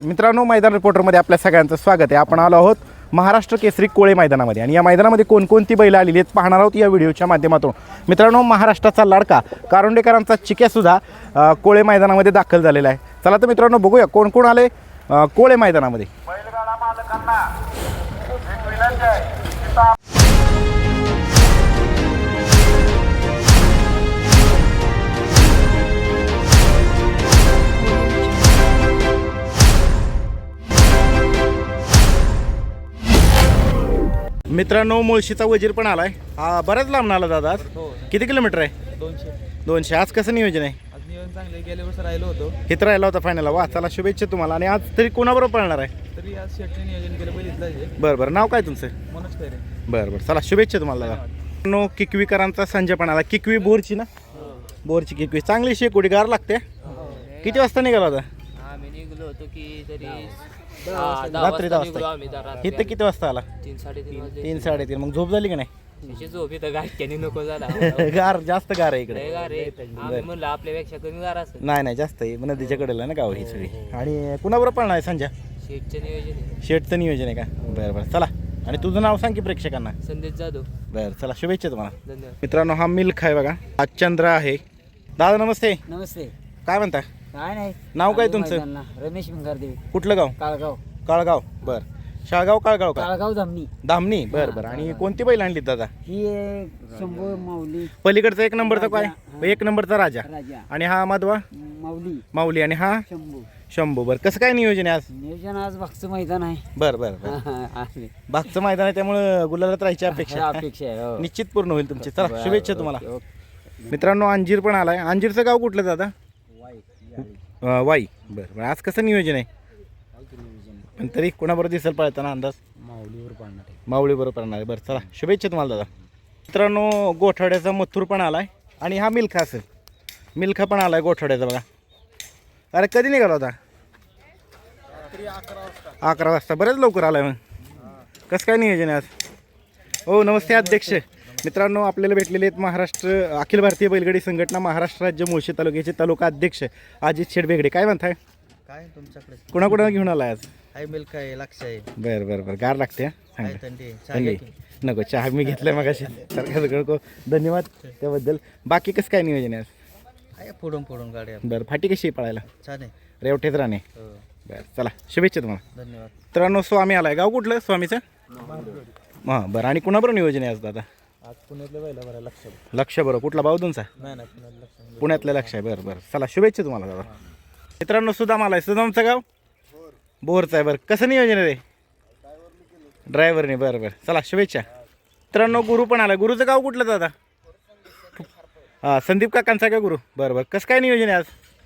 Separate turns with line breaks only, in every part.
मित्रांनो, मैदान रिपोर्टरमध्ये आपल्या सगळ्यांचं स्वागत आहे. आपण आलो आहोत महाराष्ट्र केसरी कोळे मैदानामध्ये आणि या मैदानामध्ये कोणकोणती बैलं आलेली आहेत पाहणार आहोत या व्हिडिओच्या माध्यमातून. मित्रांनो, महाराष्ट्राचा लाडका कारुंडेकरांचा चिक्यासुद्धा कोळे मैदानामध्ये दाखल झालेला आहे. चला तर मित्रांनो, बघूया कोण कोण आले कोळे मैदानामध्ये. मित्रांनो, मुळशीचा वजीर पण आलाय. बराच लांब आला दादा. आज किती किलोमीटर आहे? 200. आज कसं नियोजन आहे?
आज नियोजन चांगले. गेल्या वर्षी राहिलो होतो,
इथं राहिला होता फायनल. वा, चला शुभेच्छा तुम्हाला. आणि आज तरी कोणाबरोबर पळणार आहे?
तरी आज शेटचे नियोजन केलं बघितलं.
बरं बरं, नाव काय तुमचं?
मनोज खैरे.
बरं बरं, चला शुभेच्छा तुम्हाला दादा. नो किकवीकरांचा संजय पण आला. किकवी बोरची ना? बोरची किकवी चांगली शेकोडी गार लागते. किती वाजता निघाला होता?
आम्ही निघलो होतो की तरी
रात्री 10 वाजता. इथं किती वाजता आला?
3-3:30 वाजले.
3-3:30. मग झोप झाली का नाही?
तिची झोप इथं गाठ्याने नको झाला.
गार जास्त गार आहे इकडे.
लय गार आहे. आम्ही म्हणलं आपल्यापेक्षा कमी गार असेल.
नाही नाही, जास्त आहे. नदीच्या कडेला ना गाव ही सगळी. आणि कुणाबरोबर पळणार आहे संजय?
शेटचं नियोजन आहे.
शेटचं नियोजन आहे का? बरं बरं, चला. आणि तुझं नाव सांग की प्रेक्षकांना.
संदेश जाधव.
बरं, चला शुभेच्छा तुम्हाला.
धन्यवाद.
मित्रांनो, हा मिल्क आहे बघा. हा चंद्र आहे. दादा नमस्ते.
नमस्ते.
काय म्हणता?
काय नाही.
नाव काय तुमचं?
रमेश भिंगारदेवी.
कुठलं गाव?
काळगाव.
काळगाव. बरं, शाळगाव काळगाव का?
काळगाव धामणी.
धामणी. बरं बरं. आणि कोणती बैल आणली दादा?
ही शंभू माऊली
पलीकडचा 1 नंबरचा काय?
राजा.
1 नंबरचा राजा.
राजा.
आणि हा माधवा
माऊली
माऊली. आणि हा
शंभू.
शंभू. बरं, कसं काय नियोजन आहे आज?
नियोजन आज भागचं मैदान आहे.
बरं बरं बरं.
आहे.
भागचं मैदान आहे त्यामुळं गुलालात राहायची अपेक्षा
अपेक्षा आहे. हो.
निश्चित पूर्ण होईल तुमची. चला
बरं,
शुभेच्छा
ओके,
तुम्हाला.
ओके.
मित्रांनो, अंजीर पण आलाय. अंजीरचं गाव कुठलं दादा? वाई. बरं बरं. आज कसं नियोजन आहे? पण तरी कोणाबरोबर दिसेल पळताना अंदाज?
माऊलीवर पाळणार आहे.
माऊळी बरोबर पळणार आहे. बरं, चला शुभेच्छा तुम्हाला दादा. मित्रांनो, गोठवड्याचा मथुर पण आलाय. आणि हा मिल्खा असेल. मिल्खा पण आलाय गोठवड्याचा बघा. अरे कधी निघाला होता? 11 वाजता. बरेच लवकर आलाय. मग कसं काय नियोजन आहे आज? हो, नमस्ते अध्यक्ष. मित्रांनो, आपल्याला भेटलेले आहेत महाराष्ट्र अखिल भारतीय बैलगाडी संघटना महाराष्ट्र राज्य मुळशी तालुक्याचे तालुका अध्यक्ष अजित शेठ बेगडे. काय म्हणताय?
काय तुमच्याकडे?
कुणाकुणा घेऊन आलाय आज?
हाय मिल्क आहे, लक्ष आहे,
बरं बरं बरं. गार लागते.
काय थंडी
थंडी नको. चहा मी घेतलाय मगाशी. सरकार सगळं धन्यवाद त्याबद्दल. बाकी कसं काय नियोजन आहे आज?
आहे. फोडून गाड्या
बरं, फाटी कशी आहे पळायला?
छान आहे.
रेवठेच राहणे.
हो.
बरं, चला शुभेच्छा तुम्हाला.
धन्यवाद.
मित्रांनो, स्वामी आलाय. गाव कुठलं स्वामीचं? हां, बरं. आणि कुणाबरोबर नियोजन आहे आज दादा?
आज पुण्यातल्या बैला बरं लक्ष.
लक्ष. बरं, कुठला बावधूनचा?
नाही पुण्यात लक्ष.
पुण्यातलं लक्ष आहे. बरं बरं, चला शुभेच्छा तुम्हाला दादा. मित्रांनो, सुदाम आलाय. सुदामचं गाव बोरचं आहे. बरं, कसं नियोजन आहे रे? ड्रायव्हरने. बरं बरं, चला शुभेच्छा. मित्रांनो, गुरु पण आला. गुरुचं गाव कुठलं दादा? हां, संदीप काकांचा का गुरु? बरं बरं. कसं काय नियोजन आहे आज?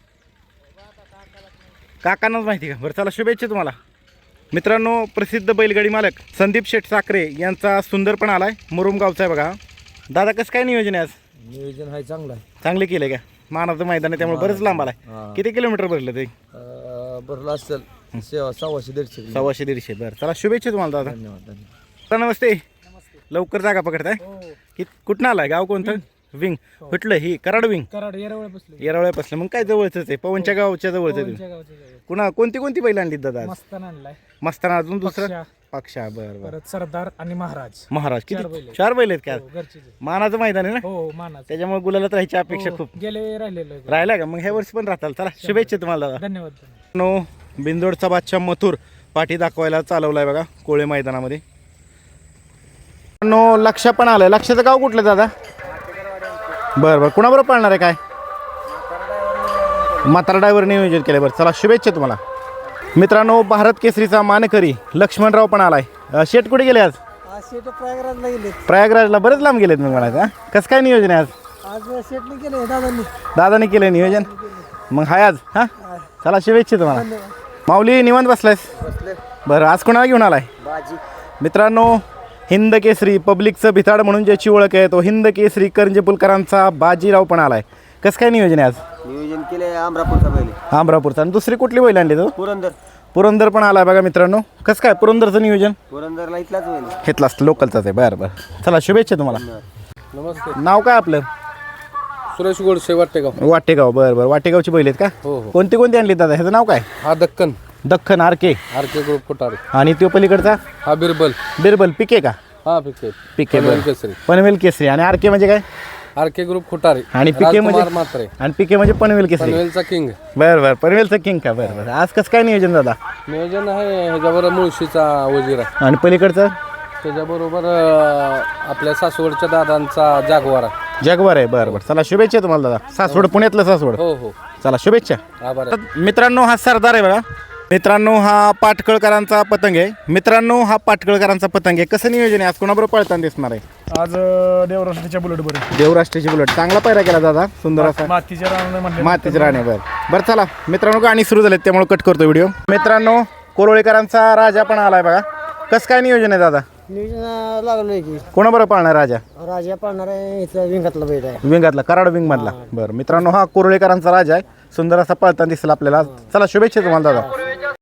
काकांनाच माहिती का? बरं, चला शुभेच्छा तुम्हाला. मित्रांनो, प्रसिद्ध बैलगाडी मालक संदीप शेठ साखरे यांचा सुंदर पण आलाय. मुरुम गावचा आहे बघा. दादा, कसं काय नियोजन आहे आज?
नियोजन आहे चांगलं आहे.
चांगले केले का? मानाचं मैदान आहे त्यामुळे बरंच लांब आलाय. किती किलोमीटर भरलं ते?
भरलं असेल 100-150.
100-150. बरं, चला शुभेच्छा तुम्हाला दादा.
धन्यवाद.
नमस्ते. लवकर जागा पकडताय. कुठं आलाय? गाव कोणतं? विंग. कुठलं? ही कराड विंग.
कराड येरवळ बसले.
येरवळ्या बसलं. मग काय जवळच आहे. पवनच्या गावच्या जवळच आहे. कुणा कोणती बैल आणली दादा?
मस्ताना आणलाय.
मस्ताना. अजून दुसरं? पक्षा. बरं बरं.
परत सरदार आणि महाराज.
महाराज.
चार
किती?
बैल आहेत.
4 बैल आहेत का?
घरचे.
मानाचं मैदान आहे ना,
हो, मानाच.
त्याच्यामुळे गुलालात राहायची अपेक्षा खूप.
गेले राहिलेलो.
राहिला का? मग ह्या वर्षी पण राहताल. चला शुभेच्छा तुम्हाला दादा.
धन्यवाद.
नो बिंदोडचा बादशाह मथुर पाठी दाखवायला चालवलाय बघा कोळे मैदानामध्ये. नो लक्ष पण आलंय. लक्षाचं गाव कुठलं दादा? बरं बरं. कुणाबरोबर पाळणार आहे? काय म्हातारा ड्रायव्हर नियोजन केलं. बरं, चला शुभेच्छा तुम्हाला. मित्रांनो, भारत केसरीचा मानकरी लक्ष्मणराव पण आलाय. शेट कुठे गेले आज?
प्रयागराजला गेले.
प्रयागराजला. बरेच लांब गेलेत मग म्हणायचं. कसं काय नियोजन आहे आज?
आज शेटने केले दादांनी.
दादाने केलं नियोजन. मग हाय आज. हां, चला शुभेच्छा तुम्हाला. माऊली निवांत बसलायस? बरं, आज कोणाला घेऊन आलाय? मित्रांनो, हिंद केसरी पब्लिकचं भिताड म्हणून ज्याची ओळख आहे तो हिंद केसरी करंजेपुलकरांचा बाजीराव पण आलाय. कसं काय नियोजन आहे आज?
नियोजन केले अमरापूरचा बैल.
अमरापूरचा. आणि दुसरी कुठली बैल आणली तो?
पुरंदर.
पुरंदर पण आलाय बघा मित्रांनो. कसं काय पुरंदरचं नियोजन?
पुरंदरला इथलाच बैल.
घेतला असतं, लोकलचाच आहे. बरं बरं, चला शुभेच्छा तुम्हाला.
नमस्ते.
नाव काय आपलं?
सुरेश गोडसे वाटेगाव.
वाटेगाव. बरं बरं, वाटेगावची बैल आहेत का?
हो हो.
कोणती कोणती आणली दादा? ह्याचं नाव काय?
हा Deccan.
Deccan RK
RK group Kotare
आणि तो पलीकडचा
हा बिरबल
बिरबल पिके का
हा पिके
पिके
पनवेल
बरं.
केसरी
पनवेल केसरी आणि आरके म्हणजे काय
आरके ग्रुप कोटारे
आणि पिके म्हणजे
राजकुमार मात्रे
आणि पिके म्हणजे पनवेल केसरी
पनवेलचा किंग
बरं बरं पनवेलचं किंग का बरं बरं आज कसं काय नियोजन दादा
नियोजन आहे ह्याच्यावर मुळशीचा वजीर आहे
आणि पलीकडचं
त्याच्याबरोबर आपल्या सासवडच्या दादांचा जागवार आहे
जगभर आहे बरं बरं चला शुभेच्छा तुम्हाला दादा सासवड पुण्यातलं सासवड
हो हो
चला शुभेच्छा
आभार आहे.
मित्रांनो हा सरदार आहे बघा मित्रांनो हा पाटकळकरांचा पतंग आहे मित्रांनो हा पाटकळकरांचा पतंग आहे कसं नियोजन आहे आज कोणाबरोबर पळताना दिसणार आहे
आज देवराष्ट्राच्या बुलेट बरं
देवराष्ट्राची बुलेट चांगला पायरा केला दादा सुंदर असा
मातीच्या रान म्हणले
मातीच राणे बरं चला मित्रांनो गाणी सुरू झालेत त्यामुळे कट करतो व्हिडिओ मित्रांनो कोरोळेकरांचा राजा पण आलाय बघा कसं काय नियोजन आहे दादा
नियोजन लागलोय की
कोणाबरोबर पाळणार राजा
राजा पाळणार आहे इथं विंगातला बैठ आहे
विंगातला कराड विंग मधला बरं मित्रांनो हा कोरोळेकरांचा राजा आहे सुंदर असा पळताना दिसला आपल्याला चला शुभेच्छा तुम्हाला दादा